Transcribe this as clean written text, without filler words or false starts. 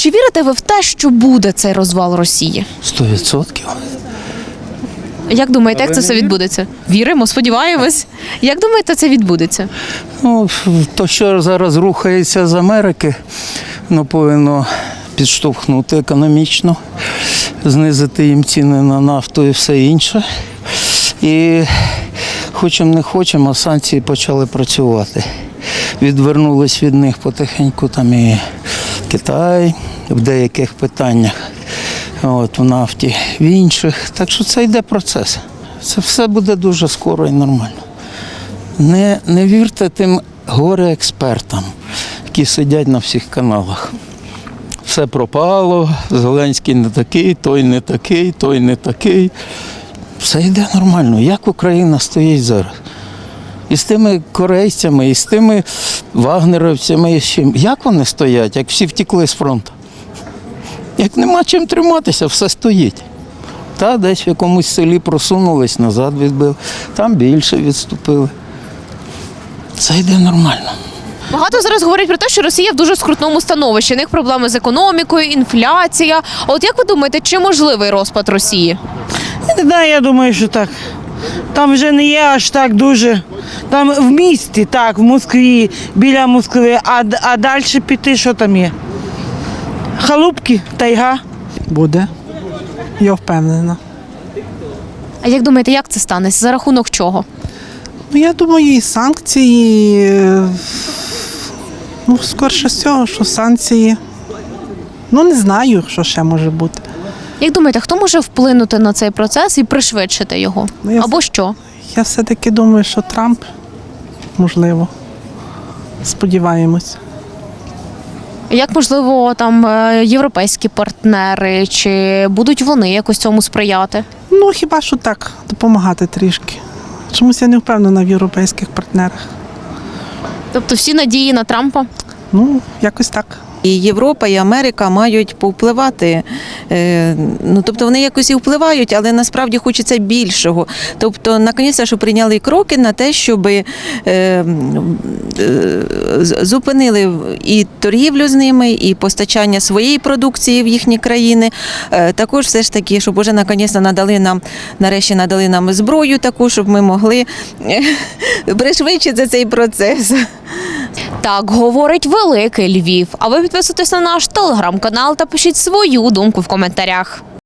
Чи вірите ви в те, що буде цей розвал Росії? 100%. Як думаєте, як це все відбудеться? Віримо, сподіваємось. Як думаєте, це відбудеться? Ну, то, що зараз рухається з Америки, повинно підштовхнути економічно, знизити їм ціни на нафту і все інше. І хочемо не хочемо, санкції почали працювати. Відвернулись від них потихеньку там і Китай в деяких питаннях, в нафті, в інших. Так що це йде процес. Це все буде дуже скоро і нормально. Не вірте тим горе-експертам, які сидять на всіх каналах. Все пропало, Зеленський не такий, той не такий, той не такий. Все йде нормально. Як Україна стоїть зараз? І з тими корейцями, і з тими вагнерівцями, і з чим. Як вони стоять, як всі втекли з фронту? Як нема чим триматися, все стоїть. Та десь в якомусь селі просунулись, назад відбили, там більше відступили. Це йде нормально. Багато зараз говорять про те, що Росія в дуже скрутному становищі. У них проблеми з економікою, інфляція. От як ви думаєте, чи можливий розпад Росії? Не знаю, я думаю, що так. Там вже не є аж так дуже. Там в місті, так, в Москві, біля Москви, а далі піти, що там є? Халупки, тайга. Буде. Я впевнена. А як думаєте, як це станеться? За рахунок чого? Я думаю, і санкції, скорше всього, що санкції. Не знаю, що ще може бути. Як думаєте, хто може вплинути на цей процес і пришвидшити його? Або що? Я все-таки думаю, що Трамп, можливо. Сподіваємось. Як, можливо, там європейські партнери, чи будуть вони якось цьому сприяти? Хіба що так, допомагати трішки. Чомусь я не впевнена в європейських партнерах. Тобто всі надії на Трампа? Якось так. І Європа, і Америка мають повпливати. Тобто вони якось і впливають, але насправді хочеться більшого. Тобто, наконець, що прийняли кроки на те, щоб зупинили і торгівлю з ними, і постачання своєї продукції в їхні країни. Також все ж таки, щоб вже наконець нарешті надали нам зброю таку, щоб ми могли пришвидшити цей процес. Так говорить великий Львів. А ви підписуйтесь на наш телеграм-канал та пишіть свою думку в коментарях.